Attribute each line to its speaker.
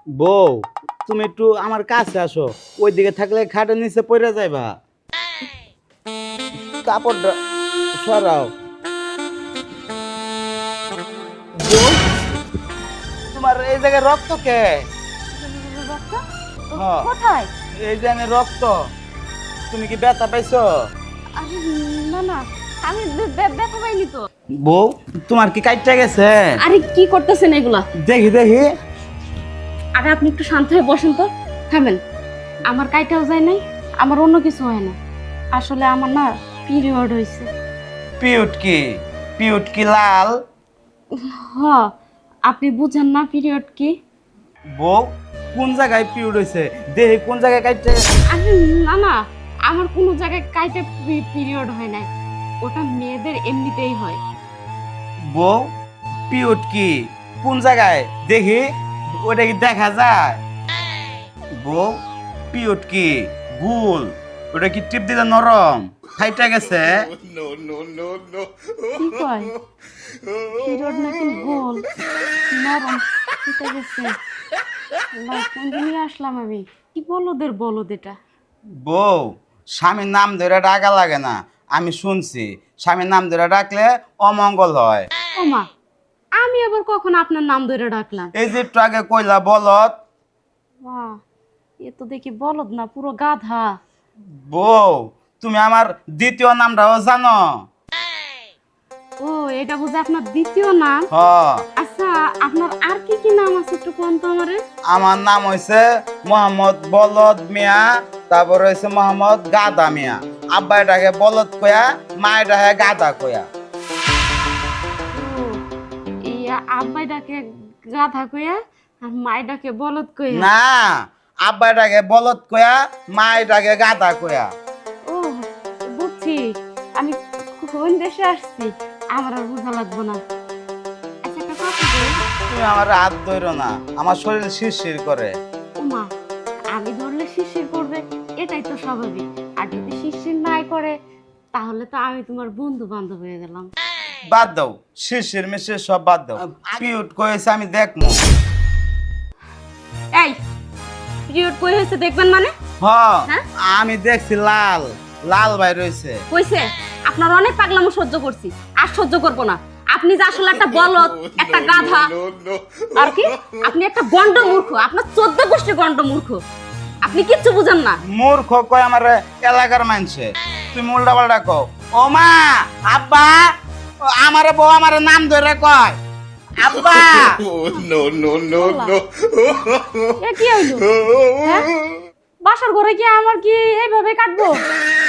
Speaker 1: বউ তুমি একটু আমার কাছে আসো, ওইদিকে থাকলে খাটের নিচে পড়ে যাইবা। কাপড়টা সরাও। বউ, তোমার এই জায়গায় রক্ত কে?
Speaker 2: রক্ত?
Speaker 1: হ্যাঁ।
Speaker 2: কোথায়?
Speaker 1: এই যে রক্ত, তুমি কি ব্যথা পাইছো?
Speaker 2: আরে না না, আমি ব্যথা পাইনি তো।
Speaker 1: বউ, তোমার কি কাইটটা গেছে?
Speaker 2: আরে কি করতেছেন এগুলা?
Speaker 1: দেখি দেখি।
Speaker 2: আরে আপনি একটু শান্ত হয়ে বসেন তো। থামেন, আমার কাইটাও যায় নাই, আমার অন্য কিছু হয় না। আসলে আমার না পিরিয়ড হয়েছে।
Speaker 1: পিউট কি? পিউট কি লাল?
Speaker 2: হ, আপনি বুঝেন না পিরিয়ড কি?
Speaker 1: বউ, কোন জায়গায় পিউট হয়েছে? দেখি কোন জায়গায় কাইটটা।
Speaker 2: আরে না না, আমার কোনো জায়গায় কাইটা পিরিয়ড হয় নাই, ওটা মেয়েদের এমনিতেই হয়।
Speaker 1: বউ, পিউট কি? কোন জায়গায় দেখি? ওটা কি দেখা যায়? বউ, পিউট কি? গুল? ওটা কি টিপ দিলে নরম? খাইটা গেছে?
Speaker 2: কি কয়? পিরিয়ড নাকি গোল নরম এটা গেছে? না, কোন দিনই আসলাম আমি? কি বলদের বলদ এটা?
Speaker 1: বউ, স্বামীর নাম ধরে ডাকা লাগে না। আমি শুনছি স্বামীর নাম ধরে ডাকলে অমঙ্গল হয়।
Speaker 2: ও মা, আমি আবার কখন আপনার নাম ধরে ডাকলাম?
Speaker 1: এই যে একটু আগে কইলা বলত।
Speaker 2: বাহ, এ তো দেখি বলদ না, পুরো গাধা।
Speaker 1: বউ, তুমি আমার দ্বিতীয় নামটাও জানো?
Speaker 2: ও, এটা বুঝে আপনার দ্বিতীয় নাম?
Speaker 1: হ,
Speaker 2: আচ্ছা, আপনার আর কি কি নাম আছে একটু কোন তো আমারে।
Speaker 1: আমার নাম হইছে মোহাম্মদ বলদ মিয়া, তারপর হইছে মোহাম্মদ গাদা মিয়া। আব্বা এটাকে বলদ কয়া, মা এটাকে গাদা কয়া।
Speaker 2: ও, এই আব্বাই ডাকে গাধা কইয়া আর মাই ডাকে বলদ কইয়া?
Speaker 1: না, আব্বা এটাকে বলদ কয়া, মা এটাকে গাদা কয়া।
Speaker 2: ও, বুঝছি। আমি কোন দেশে আসছি আমার আর বোঝা লাগবো না। আচ্ছা, একটা কথা বলি।
Speaker 1: তুমি আমার হাত ধরো না, আমার শরীর শিরশির করে।
Speaker 2: ওমা, আমি ধরলে শিরশির করবে, এটাই তো স্বাভাবিক। আর যদি শিরশির নাই করে তাহলে তো আমি তোমার বন্ধু বান্ধব হয়ে গেলাম।
Speaker 1: বাদ দাও, শিরশির মিশির সব বাদ দাও। পিউট কয়েছে আমি দেখমু।
Speaker 2: এই, পিরিয়ড কই হয়েছে দেখবেন মানে?
Speaker 1: হ,
Speaker 2: হ্যাঁ?
Speaker 1: আমি দেখছি লাল লাল ভাই রয়েছে।
Speaker 2: কইছে আপনার অনেক পাগলামো সহ্য করছি, আর সহ্য করবো না। আপনি যে আসলে একটা বলদ, একটা গাধা, আর কি আপনি একটা গন্ড মূর্খ, আপনার 14 গোষ্ঠী গন্ড মূর্খ। আপনি কিচ্ছু বুঝেন না।
Speaker 1: মূর্খ কয় আমার এলাকার মানছে, তুমি উল্টা পাল্টা কও। ও মা, আব্বা, আমারে বউ আমার নাম ধরে কয় আব্বা।
Speaker 2: এ কি হইলো? হ্যাঁ? বাসার ঘরে কি আমার কি এইভাবে কাটবো?